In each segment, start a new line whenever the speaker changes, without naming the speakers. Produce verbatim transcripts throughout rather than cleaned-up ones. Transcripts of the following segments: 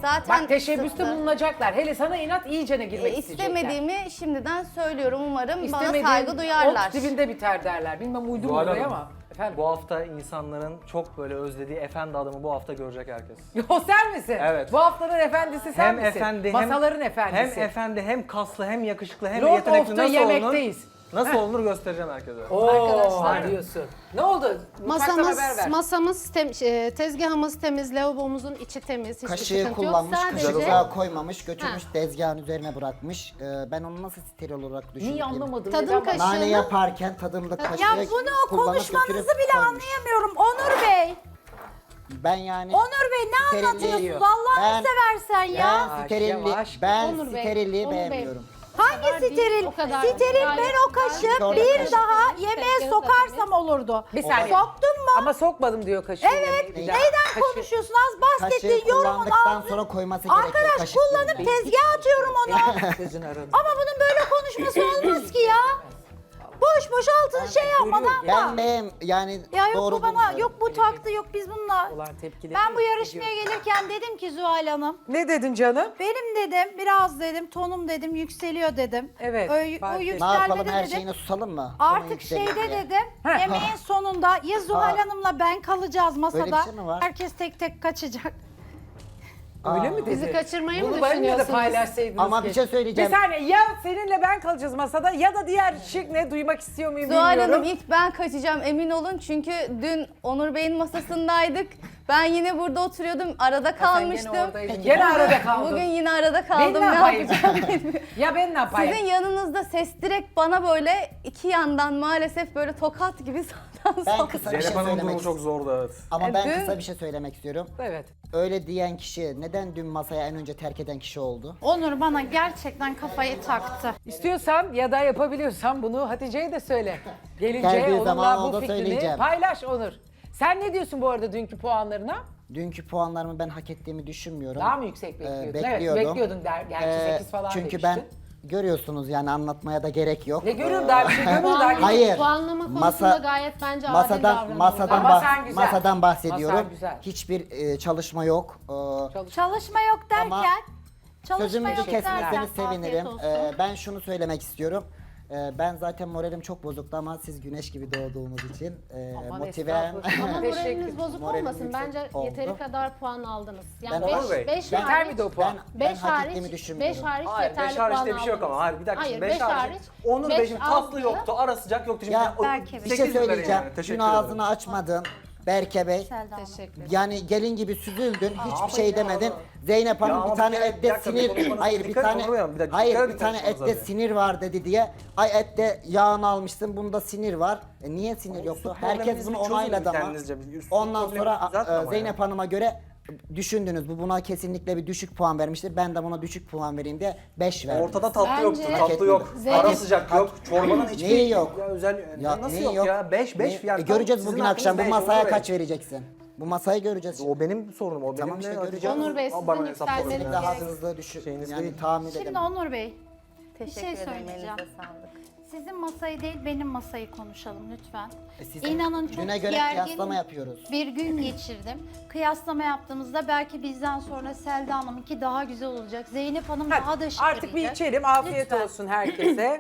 Zaten
Bak teşebbüste
kısıtlı.
bulunacaklar. Hele sana inat iyicene girmek
E,
isteyecekler.
istemediğimi şimdiden söylüyorum. Umarım
İstemediğin
bana saygı duyarlar.
ot dibinde biter derler. Bilmem uydum
Zuhal
oraya
Hanım,
ama. Efendim.
Bu hafta insanların çok böyle özlediği efendi adamı bu hafta görecek herkes.
O sen misin?
Evet.
Bu haftanın efendisi sen
Hem
misin?
efendi hem
Masaların efendisi.
Hem efendi hem kaslı hem yakışıklı hem
Lord of
yetenekli
the
nasıl
yemekteyiz.
olunur? Nasıl olunur göstereceğim herkese.
Oo,
Arkadaşlar.
diyorsun. Ne oldu? Mutfaktan
Masamız,
haber ver.
masamız temiz, e, tezgahımız temiz, lavabomuzun içi temiz, hiçbir
Kaşığı
sıkıntı yok.
kullanmış,
Sadece
kaşığa koymamış, götürmüş
Ha.
tezgahın üzerine bırakmış. Ee, ben onu nasıl steril olarak düşündüm?
Niye anlamadım?
Tadım
Neden
kaşığı-
bak-
Nane yaparken tadımlık kaşığı
Ya bunu
kullanıp
konuşmanızı
götürüp
bile
koymuş.
anlayamıyorum Onur Bey.
Ben yani
Onur Bey ne
Steril
anlatıyorsunuz
değil.
Allah'ını
Ben-
seversen ya.
ben
Yavaş,
sterilli,
yavaş.
ben
Onur Bey,
sterilliği
Onur Bey.
beğenmiyorum.
Hangi
kadar değil,
steril?
o kadar
Steril
değil.
ben
Gayet
o kaşık
güzel.
bir
Kaşık
daha
temiz,
yemeğe
tezgahı da
sokarsam olurdu.
Bir saniye.
Soktun mu?
Ama sokmadım diyor kaşığı.
Evet.
yemeğe. Bir daha.
Neyden
Kaşığı-
konuşuyorsun? Az bahsettiğin
Kaşığı
yorumun
kullandıktan
ağzı.
sonra koyması gerekiyor
Arkadaş
kaşık
kullanıp
yerine.
tezgaha atıyorum onu.
Gözünü aradım.
Ama bunun böyle konuşması olmaz ki ya. Boş boş altını şey yapmadan
Ben
bak.
beğen yani
Ya yok
doğru
bu bana,
bulmuyorum.
yok bu taktı, yok biz bununla.
Olan tepkileri.
Ben bu yarışmaya gelirken dedim ki Zuhal Hanım,
Ne dedin canım?
benim dedim biraz dedim tonum dedim yükseliyor dedim.
Evet,
O,
fark
o
ettim.
Ne
yükselmede
yapalım her
dedim.
şeyine susalım mı?
Artık
Onun yükselir
şeyde
diye.
dedim,
Heh.
yemeğin sonunda ya Zuhal
Ha.
Hanım'la ben kalacağız masada.
şey mi var?
Herkes tek tek kaçacak.
Öyle mi dedi?
Bizi kaçırmayı mı
Bunu benimle de
düşünüyorsunuz?
paylaşsaydınız.
Ama bir
keşke.
şey söyleyeceğim.
Bir saniye ya seninle ben kalacağız masada ya da diğer şık ne duymak istiyor muyum
Zuhal
bilmiyorum.
Hanım ilk ben kaçacağım emin olun çünkü dün Onur Bey'in masasındaydık. Ben yine burada oturuyordum arada
Ha, sen
kalmıştım.
Gene, oradaydın. Gene arada kaldın.
Bugün yine arada
ben
kaldım.
ne
Ne
yapayım?
yapacağım bilmiyorum.
Ya ben ne yapayım?
Sizin yanınızda ses direkt bana böyle iki yandan maalesef böyle tokat gibi sağdan
Ben
sola.
kısa bir şey
Zeynep Hanım'ın
söylemek
durumu çok
istiyorum.
zordu evet.
Ama
E,
ben
dün-
kısa bir şey söylemek istiyorum.
Evet.
Öyle diyen kişi neden dün masaya en önce terk eden kişi oldu?
Onur bana gerçekten kafayı taktı.
İstiyorsan ya da yapabiliyorsan bunu Hatice'ye de söyle. Gelince
Geldiği zaman
onunla
o
bu
da
fikrini
söyleyeceğim.
paylaş Onur. Sen ne diyorsun bu arada dünkü puanlarına?
Dünkü puanlarımı ben hak ettiğimi düşünmüyorum.
Daha mı yüksek
Ee,
bekliyordun?
bekliyordum.
Evet bekliyordun der. Gerçi
Ee,
sekiz falan
Çünkü
demiştin.
ben görüyorsunuz yani anlatmaya da gerek yok.
Ne görüyorum
Ee,
daha bir şey görmüyorum daha.
Hayır.
Puanlama konusunda
Masa-
gayet bence adil
Masadan
davranıyoruz.
masadan
Ama
bah-
sen güzel.
masadan bahsediyorum.
Masan güzel.
Hiçbir e, çalışma yok. Ee,
Çalışma yok derken,
Ama
çalışma
Sözümü
yok
kesmezseniz
derken.
sevinirim.
Afiyet
Ee,
olsun.
ben şunu söylemek istiyorum. Ee, ben zaten moralim çok bozuktu ama siz güneş gibi doğduğumuz için e,
Aman
motivem.
estağfurullah.
Ama
Teşekkür-
moraliniz bozuk
Moralim
olmasın.
yüksek
Bence
oldu.
yeteri kadar puan aldınız.
Ben
Yani
Onur Bey,
5
ben-
Yeter
hariç,
miydi o puan?
Ben, ben
beş
hak
hariç,
ettiğimi düşünmüyorum.
beş hariç
Hayır
yeterli
beş hariç
puan
diye bir şey yok ama.
aldınız.
Hayır bir dakika.
Hayır,
şimdi beş
beş
hariç.
hariç,
Onur
beş
Bey şimdi tatlı
altı.
yoktu, ara sıcak yoktu. Şimdi
Ya
o-
Belki
bir
sekiz
şey
mi vereyim
söyleyeceğim.
yani? Teşekkür
Dün
ederim.
ağzını açmadın. Berke Bey.
Selda Hanım.
Teşekkür ederim.
Yani gelin gibi süzüldün. Hiçbir
ama
şey
ya.
demedin. Zeynep
Ya
Hanım
ama
bir tane
bir kere- bir
ette
dakika, bir
sinir.
konuşmanıza
Hayır bir
dikkat
tane.
etmiyorum. Bir dakika,
Hayır
dikkat
bir
edin
tane
konuşmanıza
ette
bir.
sinir var dedi diye. Ay ette yağını almışsın. Bunda sinir var. E niye sinir yoktu? Herkes
probleminizi
bunu
çözün
onayladı ama.
kendinizce. Bir üst-
Ondan
probleminizi
sonra
düzeltin
e,
ama
Zeynep Hanım'a göre düşündünüz. Bu buna kesinlikle bir düşük puan vermiştir. Ben de buna düşük puan vereyim diye beş verdim.
Ortada tatlı
Bence-
yoktu,
Hak
tatlı yok.
Zeynep-
Ara sıcak yok. Çorbanın hiçbir
Neyi yok?
Ya özel
Ya
nasıl
neyi
yok, ya? beş beş
Ne-
yani.
E, göreceğiz
Sizin
bugün
hakkınız
akşam bu
beş,
masaya
Onur Bey.
kaç vereceksin? Bu masayı göreceğiz.
O benim sorunum. O
Tamam
benim
işte
de
göreceğiz.
Hatice
Onur Bey,
Hanım
sizin
bana hesap
yükselmeniz
sorun.
Daha
gerek-
hızlı düşün.
Şeyiniz
Yani
değil.
tahmin
Şimdi
edemem.
Onur Bey,
Teşekkür
şey
ederim
söyleyeceğim.
elinize sağlık.
sizin masayı değil benim masayı konuşalım lütfen.
E, sizin
İnanın çok
düne göre
gergin
kıyaslama yapıyoruz.
bir gün geçirdim. Kıyaslama yaptığımızda belki bizden sonra Selda Hanım'ınki daha güzel olacak. Zeynep Hanım
Hadi,
daha da şık
artık bir
yürüyecek.
içelim. Afiyet
Lütfen.
olsun herkese.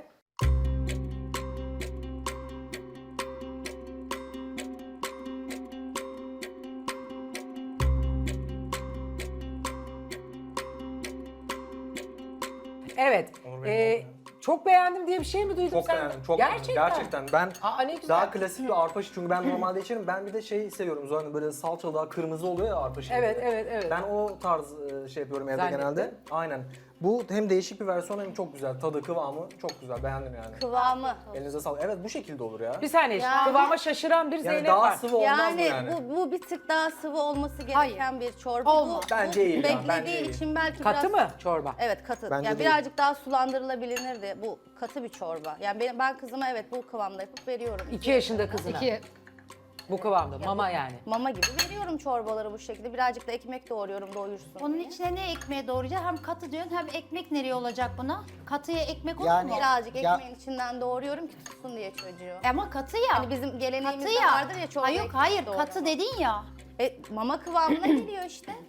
Evet.
Onur Bey,
e, çok beğendim diye bir şey mi duydum
Çok
sen?
beğendim. Çok
Gerçekten.
beğendim. Gerçekten. Ben
Aa, ne güzel.
daha klasik bir arpa şi- çünkü ben normalde içerim. Ben bir de şey seviyorum Zuhal Hanım, böyle salçalı daha kırmızı oluyor ya arpa şehriyeli.
Evet, evet, evet.
Ben o tarz e, şey yapıyorum evde
Zannettim.
genelde. Aynen. Bu hem değişik bir versiyon hem çok güzel. Tadı, kıvamı çok güzel. Beğendim yani.
Kıvamı.
Elinize sağlık. Evet bu şekilde olur ya.
Bir saniye.
Yani-
Kıvama şaşıran bir
Yani
Zeynep
daha
var.
sıvı olmaz mı
Yani,
yani?
bu, bu bir tık daha sıvı olması gereken
Hayır.
bir çorba.
Olmaz.
Bu,
Bence
bu
iyi ya,
beklediği
bence iyi.
için belki
Katı
biraz...
mı çorba?
Evet katı.
Bence
yani
değil.
birazcık daha sulandırılabilirdi. Bu katı bir çorba. Yani ben, ben kızıma evet bu kıvamda yapıp veriyorum.
İki yaşında kızına.
İki.
Bu kıvamda. Mama yani.
Mama gibi veriyorum çorbaları bu şekilde. Birazcık da ekmek doğruyorum doyursun.
Onun
diye.
içine ne ekmeği doğrayacağız? Hem katı diyorsun hem ekmek nereye olacak buna? Katıya ekmek olur
Yani-
mu?
Birazcık
Ya-
ekmeğin içinden doğruyorum ki tutsun diye çocuğu.
Ama katı ya.
Hani bizim geleneğimizde
katı ya.
vardır ya çorba
Hayır
ekmek
hayır
doğrama.
katı dedin ya.
E, mama kıvamına geliyor işte.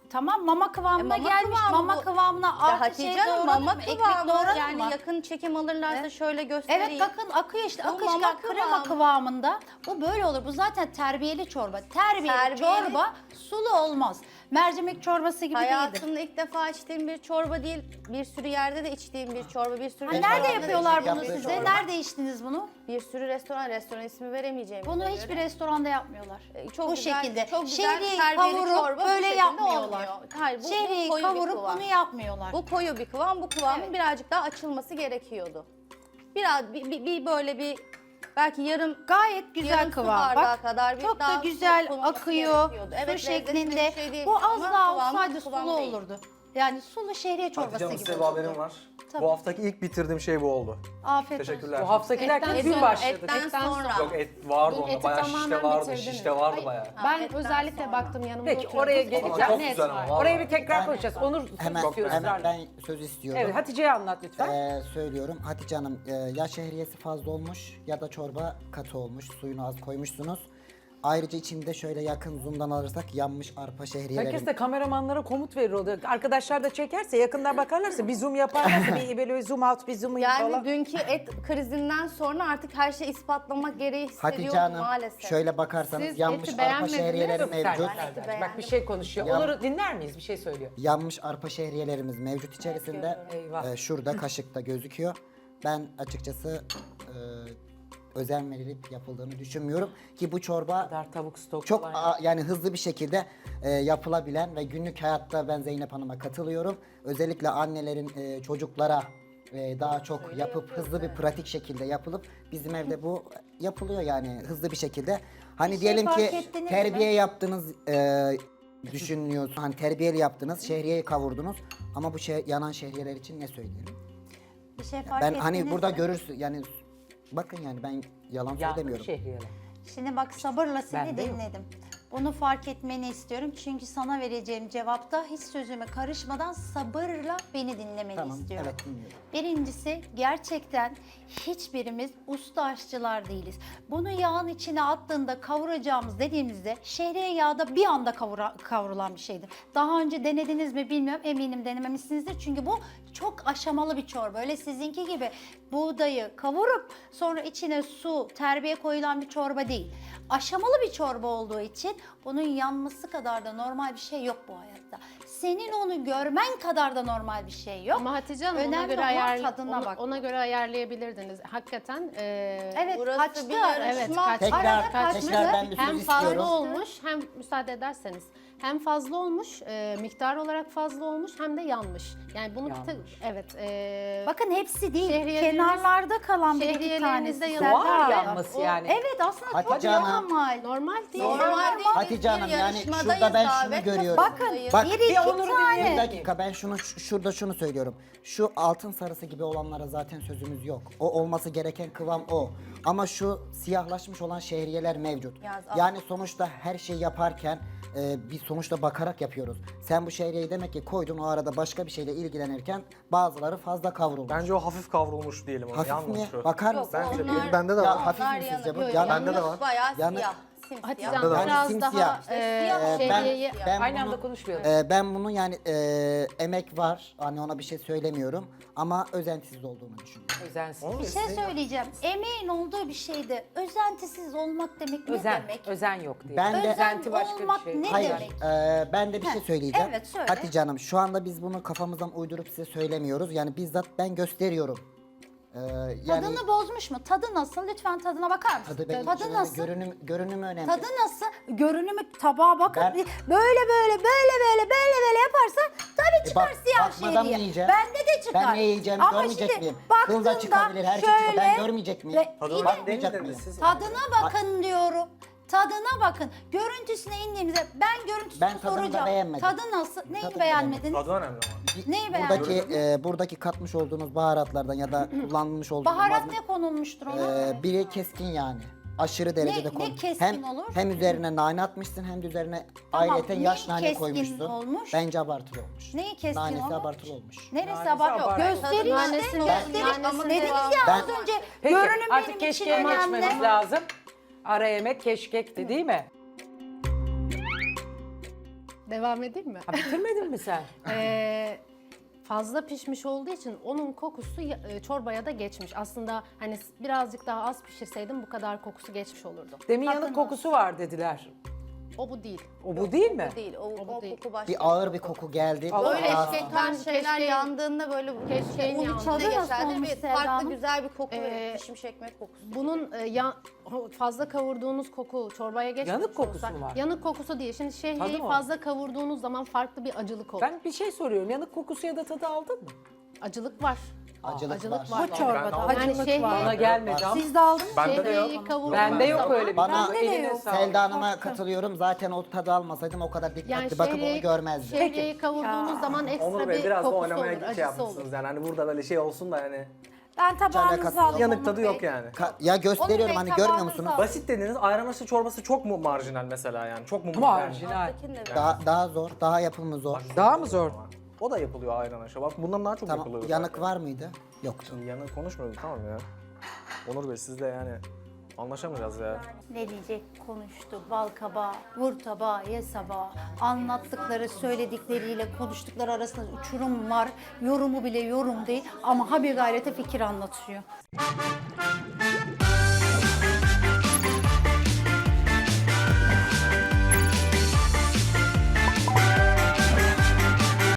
Tamam mama kıvamına
E, mama
gelmiş.
kıvamı
mama
bu.
kıvamına
Ya
artı
Hatice
şey
Hanım
doğradın
mama
mı? Ekmek
kıvamı
doğradın
yani
mı?
yakın çekim alırlarsa
Evet.
şöyle göstereyim.
Evet bakın akıyor işte
Bu
akışkan
mama
krema
kıvamı.
kıvamında. Bu böyle olur. Bu zaten terbiyeli çorba. Terbiyeli,
Terbiyeli.
çorba sulu olmaz. Mercimek çorbası gibi değildir.
Hayatımda ilk defa içtiğim bir çorba değil, bir sürü yerde de içtiğim bir çorba, bir sürü
Ha,
Ben
nerede
restoranda da
yapıyorlar
içtiğim
bunu
bir
size?
çorba.
Nerede içtiniz bunu?
Bir sürü restoran, restoran ismi veremeyeceğim.
Bunu hiçbir restoranda yapmıyorlar.
E, çok
bu
güzel-
şekilde.
çok güzel
Şehriyeyi
terbiyeli
kavurup
çorba bu
böyle
şekilde
yapmıyorlar.
olmuyor. Hayır, bu- bu
Şehriyeyi
koyu bir
kavurup
kıvam.
bunu yapmıyorlar.
Bu koyu bir kıvam, bu kıvamın
Evet.
birazcık daha açılması gerekiyordu. Biraz bir, bir, bir böyle bir belki yarım
Gayet güzel
yarım su
kıvam.
bardağı
Bak
kadar bir
çok da
daha su
güzel
konulması
akıyor.
gerekiyordu.
Su
Evet, lezzetli bir
şeklinde.
şey değil
Bu az
ama
daha
kıvamı
olsaydı
kıvam
sulu
değil.
olurdu. Yani sulu şehriye çorbası
Hatice Hanım
gibi
size bir
olurdu.
haberim var.
Tabii.
Bu haftaki ilk bitirdiğim şey bu oldu.
Afiyet olsun.
Teşekkürler.
Bu haftaki derken
Etten
dün
sonra-
başladık.
Etten,
Etten
sonra.
Yok et vardı
Dün
onda,
eti
bayağı
tamamen
şişte vardı,
bitirdiniz.
şişte vardı
Hayır,
bayağı.
Ben
etten
özellikle
sonra.
baktım yanımda
Peki,
oturuyordu.
oraya
Ama
geleceğim.
Çok
net
güzel
var.
ama.
Oraya bir tekrar
Ben-
konuşacağız. Onur
Hemen,
istiyoruz
hemen
ısrarla.
ben söz istiyorum.
Evet Hatice'ye anlat lütfen.
Ee, söylüyorum Hatice Hanım, e, ya şehriyesi fazla olmuş ya da çorba katı olmuş, suyunu az koymuşsunuz. Ayrıca içinde şöyle yakın zoom'dan alırsak yanmış arpa şehriyelerin.
Herkes de kameramanlara komut verir oluyor. Arkadaşlar da çekerse, yakından bakarlarsa bir zoom yaparlarsa bir böyle bir zoom out, bir zoom in
Yani
falan.
dünkü et krizinden sonra artık her şeyi ispatlamak gereği
Hatice
hissediyorum
Hanım
maalesef.
şöyle bakarsanız
Siz
yanmış
eti
arpa
beğenmediniz
şehriyeleri
Yok, sen-
mevcut.
sen- sen-
beğendim.
Bak bir şey konuşuyor.
Ya-
Onur'u dinler miyiz? Bir şey söylüyor.
Yanmış arpa şehriyelerimiz mevcut içerisinde.
Eyvah.
Ee, şurada kaşıkta gözüküyor. Ben açıkçası e, özen verilip yapıldığını düşünmüyorum ki bu çorba
kadar tavuk stok
çok
falan.
a- yani hızlı bir şekilde e, yapılabilen ve günlük hayatta ben Zeynep Hanım'a katılıyorum. Özellikle annelerin e, çocuklara e, daha çok yapıp hızlı bir pratik şekilde yapılıp bizim evde bu yapılıyor yani hızlı bir şekilde. Hani
şey
diyelim
fark
ki
ettiniz
terbiye yaptınız e, düşünüyorsun. Hani terbiyeli yaptınız, şehriyeyi kavurdunuz ama bu şey yanan şehriyeler için ne söyleyelim?
Bir şey fark
Ben hani
ettiniz
burada
mi?
görürsün yani bakın yani ben yalan
Ya
söylemiyorum.
şehriyeler.
Şimdi bak sabırla seni
Ben de yok.
dinledim. Bunu fark etmeni istiyorum. Çünkü sana vereceğim cevapta hiç sözüme karışmadan sabırla beni dinlemeni
Tamam,
istiyorum.
evet dinliyorum.
Birincisi gerçekten hiçbirimiz usta aşçılar değiliz. Bunu yağın içine attığında kavuracağımız dediğimizde şehriye yağda bir anda kavura- kavrulan bir şeydir. Daha önce denediniz mi bilmiyorum, eminim denememişsinizdir. Çünkü bu çok aşamalı bir çorba. Öyle sizinki gibi buğdayı kavurup sonra içine su, terbiye koyulan bir çorba değil. Aşamalı bir çorba olduğu için bunun yanması kadar da normal bir şey yok bu hayatta. Senin onu görmen kadar da normal bir şey yok.
Ama Hatice Hanım ona
Önemli
göre,
olan
ayar,
tadına
ona,
bak.
ona göre ayarlayabilirdiniz. Hakikaten e,
Evet
Burası
kaçtı.
bir yarışma.
evet kaç,
Tekrar-
Arada
tekrar
kaçtı.
ben bir söz
hem fazla
istiyorum.
olmuş hem müsaade ederseniz hem fazla olmuş e, miktar olarak fazla olmuş hem de yanmış. Yani bunu bir tek-
Yanmış.
evet e,
Bakın hepsi değil.
Şehriyeleriniz-
Kenarlarda kalan bir iki
şehriyeleriniz
tanesi.
de
Serpil
yanıyor.
Hanım.
Doğal yanması
O-
yani.
Evet aslında
Hatice
çok
Hanım.
normal.
normal değil.
Normal değil.
Hatice
biz bir
Hanım, yani
yarışmadayız
şurada ben şunu
davet.
görüyorum.
Bakın
Bak,
bir
bir
iki
Onur'u
Bir
tane.
dakika ben şunu şu- şurada şunu söylüyorum. Şu altın sarısı gibi olanlara zaten sözümüz yok. O olması gereken kıvam o. Ama şu siyahlaşmış olan şehriyeler mevcut.
Yaz,
Yani sonuçta her şeyi yaparken e, bir sonuçta bakarak yapıyoruz. Sen bu şehriyeyi demek ki koydun o arada başka bir şeyle ilgilenirken bazıları fazla kavrulmuş.
Bence o hafif kavrulmuş diyelim ona.
Hafif
yanmış
mi?
o.
Bakar
Yok,
mısın?
Bence
onlar-
benim- bende de
Ya
var.
hafif
Onlar
mi sizce bu?
yanık.
Yanık.
Bende de var.
Bayağı
Yanık.
siyah. Simsiyah.
Hatice
Bende de
Hanım
var.
biraz
Simsiyah.
daha
İşte
e,
siyah oldu.
şehriyeyi
Ben-
ben
Aynı
bunu-
anda konuşmayalım.
Ee, ben bunun yani e, emek var. Hani ona bir şey söylemiyorum. Ama özentisiz olduğunu düşünüyorum.
Özensiz.
Onu
Bir şey söyleyeceğim. Emeğin olduğu bir şeyde özentisiz olmak demek ne
Özen.
demek?
Özen yok diye.
Ben de-
Özenti başka bir
olmak
şey.
ne
Hayır,
demek?
e, ben de bir şey
Heh,
söyleyeceğim.
evet, söyle.
Hatice Hanım, şu anda biz bunu kafamızdan uydurup size söylemiyoruz. Yani bizzat ben gösteriyorum. Ee, yani
Tadını bozmuş mu? Tadı nasıl? Lütfen tadına bakar mısın?
tadı benim
Tadı
için
nasıl?
önemli, görünüm, görünümü önemli.
Tadı nasıl? Görünümü tabağa bakın.
Ben-
böyle böyle böyle böyle böyle böyle yaparsan tabii çıkar
bak-
siyah
bakmadan mı
şehriye.
yiyeceğim?
Bende de çıkar.
Ben ne yiyeceğim,
Ama
görmeyecek
şimdi
miyim? Kıl da
baktığında
çıkabilir, her şey çıkar. Ben
şöyle-
görmeyecek miyim?
Ve-
Tadına
İyi de-
bakmayacak
değil de
mıyım?
siz-
Tadına bakın diyorum. Tadına bakın. Görüntüsüne indiğimizde ben görüntüsünü
Ben tadını da
soracağım.
beğenmedim.
Tadı nasıl? Neyi
Tadını
beğenmediniz?
Tadı önemli ama.
Neyi
Buradaki
beğenmediniz?
e, buradaki katmış olduğunuz baharatlardan ya da kullanmış olduğunuz
Baharat
malzeme-
ne konulmuştur ona?
Ee, biri keskin yani. Aşırı derecede
ne
kon.
keskin
hem,
olur?
Hem üzerine nane atmışsın hem de üzerine
Tamam,
ayrıca
neyi
yaş nane
keskin
koymuşsun.
olmuş?
Bence abartılı olmuş.
Neyi keskin
Nanesi
olmuş?
abartılı olmuş.
Neresi
Nanesi
abartı?
abartı.
Gösterin
Nanesi-
işte.
Ben-
Gösterin.
nanesi
Dediniz
devam.
ya
Ben-
az önce.
Peki
Görünüm
artık
benim için
keşkeğe
önemli.
geçmemiz lazım. Ara yemek keşkekti değil mi?
Devam edeyim mi?
Ha, bitirmedin mi sen?
Ee, fazla pişmiş olduğu için onun kokusu ya- e, çorbaya da geçmiş. Aslında hani s- birazcık daha az pişirseydim bu kadar kokusu geçmiş olurdu.
Demin yanık kokusu var dediler.
O bu değil.
O bu değil mi?
Bu değil. O,
O bu
o
değil.
koku başka.
Bir ağır bir koku geldi.
Allah
Böyle
Allah.
şeker şeyler
Keşke-
yandığında böyle
Keşke
un
yandı.
içinde
Tadı nasıl
geçerdi
olmuş
ve
Selda
farklı
Hanım?
güzel bir koku
Ee,
ve pişmiş ekmek kokusu.
Bunun e, ya, fazla kavurduğunuz koku çorbaya geçmemiş
Yanık kokusu
olsa-
mu var?
Yanık kokusu değil. Şimdi
Tadı
şehriyeyi
mı?
fazla kavurduğunuz zaman farklı bir acılık olur.
Ben bir şey soruyorum. Yanık kokusu ya da tadı aldın mı?
Acılık var.
Acılık var.
var.
Bu çorbada
aldım.
Yani
acılık
şehriye-
var.
Bana gelmedi ama.
Siz de aldınız mı?
Bende de yok.
Şehriyeyi kavurduğunuz
Bende yok
zaman-
öyle bir
Bana-
tadı.
Bende de
Eline
yok.
sağlık.
Selda Hanım'a katılıyorum. Zaten o tadı almasaydım o kadar dikkatli
Yani
bakıp onu
şehriyeyi,
görmezdim.
şehriyeyi kavurduğunuz
Ya.
zaman ekstra
Onur Bey
bir
biraz da
kokusu
oynamaya
olur,
şey
acısı
yapmışsınız
olur.
yani hani burada böyle şey olsun da yani
Ben tabağınızı
alakası
aldım.
yok.
yanık
Onur
tadı
Bey.
yok yani.
Ka- ya gösteriyorum
Onur Bey,
hani görmüyor
tabağınızı
musunuz?
al.
Basit dediğiniz ayran aşı çorbası çok mu marjinal mesela yani? Çok mu
Marjinal.
Alttaki ne?
Daha daha zor, daha yapımı zor.
Daha mı zor?
O da yapılıyor ayran aşı. Bak bundan daha çok
Tamam,
yapılıyor.
yanık
zaten.
var mıydı? Yoktu.
Şimdi yanık konuşmuyoruz tamam ya. Onur Bey siz de yani anlaşamayacağız ya.
Ne diyecek konuştu. Bal kabağı, vur tabağı, ye sabağı. Anlattıkları, söyledikleriyle konuştukları arasında uçurum var. Yorumu bile yorum değil ama ha bir gayrete fikir anlatıyor.